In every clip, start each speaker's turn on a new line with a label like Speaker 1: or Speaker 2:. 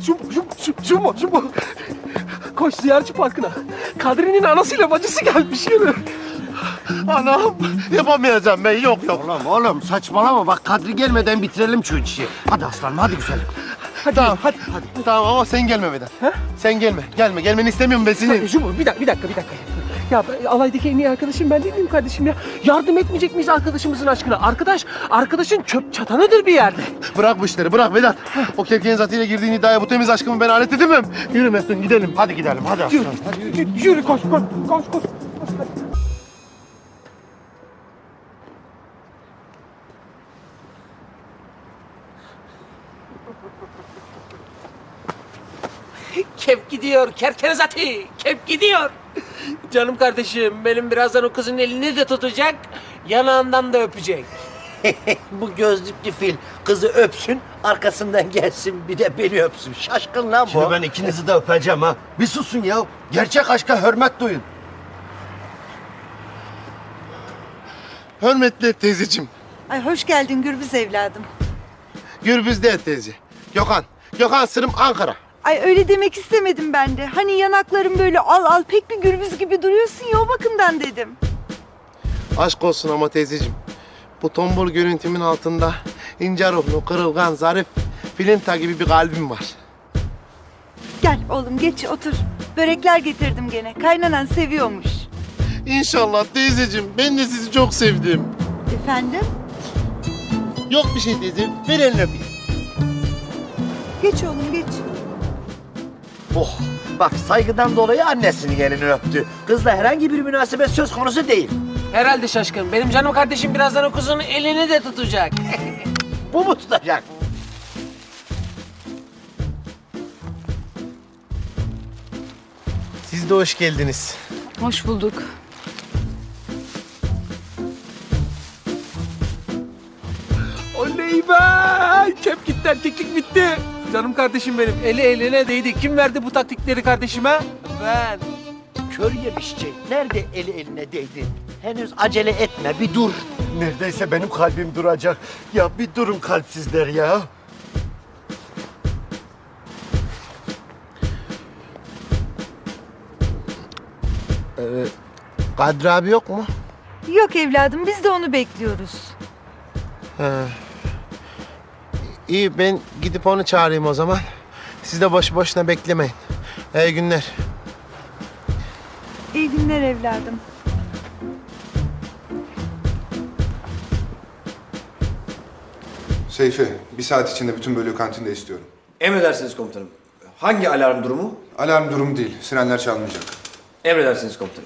Speaker 1: Şu mu? Koş ziyaretçi parkına. Kadri'nin anasıyla bacısı gelmiş yürü.
Speaker 2: Anam yapamayacağım ben yok.
Speaker 3: Oğlum saçmalama bak Kadri gelmeden bitirelim şu işi. Hadi aslanım hadi güzelim.
Speaker 2: Tamam hadi. Tamam ama sen gelme Vedat. Sen gelme. Gelmeni istemiyorum ben seni.
Speaker 1: Şu bir dakika. Ya alaydaki en iyi arkadaşım ben değil miyim kardeşim ya? Yardım etmeyecek miyiz arkadaşımızın aşkına? Arkadaşın çöp çatanıdır bir yerde.
Speaker 2: Bırak bu işleri bırak Vedat. O kevkenin zatıyla girdiğin iddiaya bu temiz aşkımı ben alet edemem. Yürü Mesut gidelim.
Speaker 3: Hadi gidelim hadi aslanım.
Speaker 1: Yürü koş. Kep gidiyor kerkenezati. Kep gidiyor. Canım kardeşim benim birazdan o kızın elini de tutacak. Yanağından da öpecek.
Speaker 3: Bu gözlüklü fil kızı öpsün arkasından gelsin bir de beni öpsün. Şaşkın lan bu. Şimdi ben ikinizi de öpeceğim ha. Bir susun ya. Gerçek aşka hürmet duyun.
Speaker 2: Hürmetli teyzeciğim.
Speaker 4: Ay hoş geldin Gürbüz evladım.
Speaker 2: Gürbüz değil teyze. Gökhan sırım Ankara.
Speaker 4: Ay öyle demek istemedim ben de. Hani yanakların böyle al pek bir Gürbüz gibi duruyorsun ya o bakımdan dedim.
Speaker 2: Aşk olsun ama teyzeciğim. Bu tombul görüntümün altında ince ruhlu, kırılgan, zarif, filinta gibi bir kalbim var.
Speaker 4: Gel oğlum geç otur. Börekler getirdim gene. Kaynanan seviyormuş.
Speaker 2: İnşallah teyzeciğim. Ben de sizi çok sevdim.
Speaker 4: Efendim?
Speaker 2: Yok bir şey teyze. Ver elini öpeyim.
Speaker 4: Geç oğlum geç.
Speaker 3: Oh bak saygıdan dolayı annesinin elini öptü. Kızla herhangi bir münasebet söz konusu değil.
Speaker 1: Herhalde şaşkın. Benim canım kardeşim birazdan o kızın elini de tutacak.
Speaker 3: Bu mu tutacak?
Speaker 2: Siz de hoş geldiniz.
Speaker 5: Hoş bulduk.
Speaker 1: Oley be! Kep gitti, erkeklik bitti. Canım kardeşim benim. Eli eline değdi. Kim verdi bu taktikleri kardeşime? Ben.
Speaker 3: Kör yemişçi. Nerede eli eline değdi? Henüz acele etme bir dur. Neredeyse benim kalbim duracak. Ya bir durun kalpsizler ya.
Speaker 2: Kadri abi yok mu?
Speaker 4: Yok evladım biz de onu bekliyoruz.
Speaker 2: İyi ben gidip onu çağırayım o zaman. Siz de boş boşuna beklemeyin. İyi günler.
Speaker 4: İyi günler evladım.
Speaker 6: Seyfi, bir saat içinde bütün bölüğü kantinde istiyorum.
Speaker 7: Emredersiniz komutanım. Hangi alarm durumu?
Speaker 6: Alarm durumu değil, sirenler çalmayacak.
Speaker 7: Emredersiniz komutanım.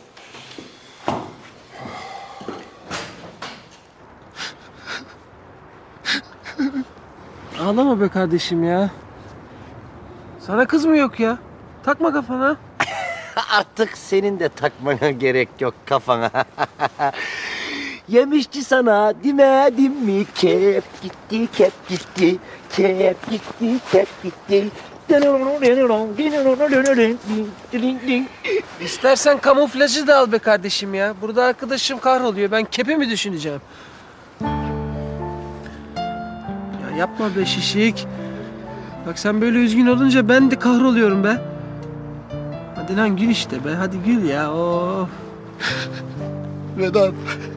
Speaker 1: Ağlama be kardeşim ya. Sana kız mı yok ya? Takma kafana.
Speaker 3: Artık senin de takmana gerek yok kafana. Yemişçi sana demedim mi? Kep gitti, kep gitti. Kep gitti, kep gitti.
Speaker 1: İstersen kamuflajı da al be kardeşim ya. Burada arkadaşım kahroluyor. Ben kepi mi düşüneceğim? Ya yapma be şişik. Bak sen böyle üzgün olunca ben de kahroluyorum be. Hadi lan gül işte be. Hadi gül ya. Of.
Speaker 2: Vedat.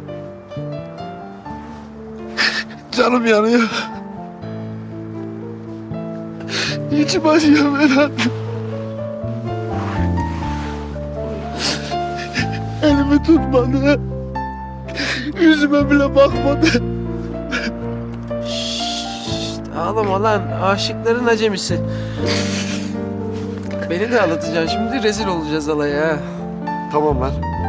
Speaker 2: Canım yanıyor. İçim acıyor Vedat. Elimi tutmadı. Yüzüme bile bakmadı.
Speaker 1: Ağlama lan. Aşıkların acemisi. Beni de ağlatacaksın. Şimdi rezil olacağız alaya.
Speaker 2: Tamam lan.